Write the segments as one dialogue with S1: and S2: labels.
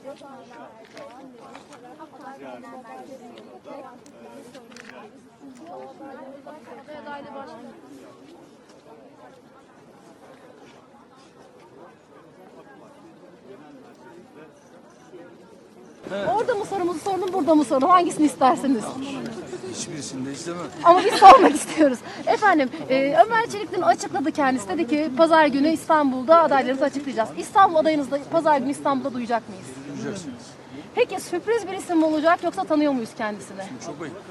S1: Orada mı sorumuzu sordum, burada mı sordum? Hangisini istersiniz?
S2: Hiçbirisini de istemem.
S1: Ama biz sormak istiyoruz. Efendim, Ömer Çelik dün açıkladı kendisi. Dedi ki pazar günü İstanbul'da adaylarınızı açıklayacağız. İstanbul adayınızı da pazar günü İstanbul'da duyacak mıyız?
S2: Duyacaksınız.
S1: Peki sürpriz bir isim mi olacak yoksa tanıyor muyuz kendisini?
S2: Çok ayıp.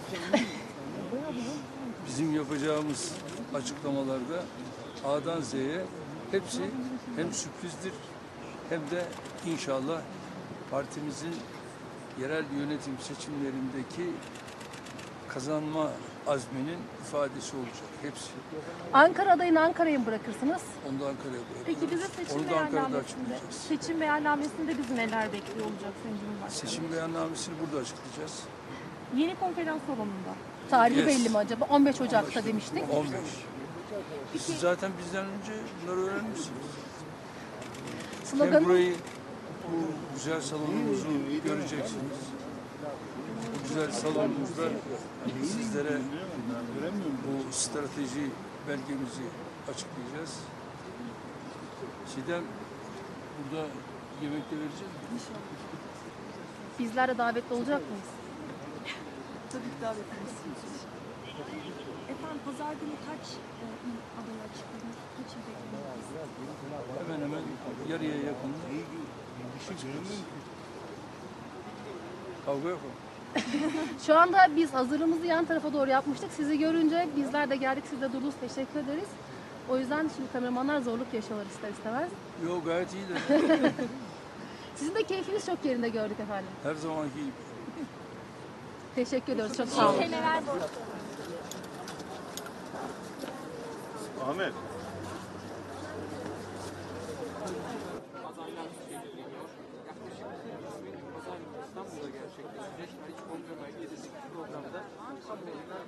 S2: Bizim yapacağımız açıklamalarda A'dan Z'ye hepsi hem sürprizdir hem de inşallah partimizin yerel yönetim seçimlerindeki kazanma azminin ifadesi olacak. Hepsi.
S1: Ankara adayını Ankara'ya mı bırakırsınız?
S2: Onu da Ankara'ya bırakıyoruz.
S3: Peki bize seçim
S2: Onu da Ankara'da
S3: beyannamesinde,
S2: açıklayacağız.
S3: seçim beyannamesinde bizi neler bekliyor olacak Sayın Cumhurbaşkanı?
S2: Seçim beyannamesini burada açıklayacağız.
S3: Yeni konferans salonunda.
S1: Tarihi
S2: Yes.
S1: belli mi acaba? 15 Ocak'ta demiştik.
S2: 15. Siz zaten bizden önce bunları öğrenmişsiniz. Hem
S1: Sloganı
S2: burayı, bu güzel salonumuzu göreceksiniz. Bu güzel salonumuzda sizlere bu strateji belgemizi açıklayacağız. Çiğdem, burada yemek de vereceğiz mi?
S1: bizler de davetli olacak mıyız?
S3: Tabii ki davetiniz. Efendim pazar günü kaç aday açıkladınız? Kaç il bekliyorsunuz?
S2: Hemen hemen yarıya yakın. Kavga yok mu?
S1: Şu anda biz hazırlığımızı yan tarafa doğru yapmıştık. Sizi görünce bizler de geldik. Siz de durdunuz. Teşekkür ederiz. O yüzden şimdi kameramanlar zorluk yaşıyorlar ister istemez.
S2: Yok, gayet iyiydi.
S1: Sizin de keyfiniz çok yerinde gördük efendim.
S2: Her zamanki gibi.
S1: Teşekkür ediyoruz. Çok sağ olun.
S4: Ahmet.
S5: İstanbul'da gerçekleşecek. Haliç Kongre Merkezi'ndeki programda kamuoyuna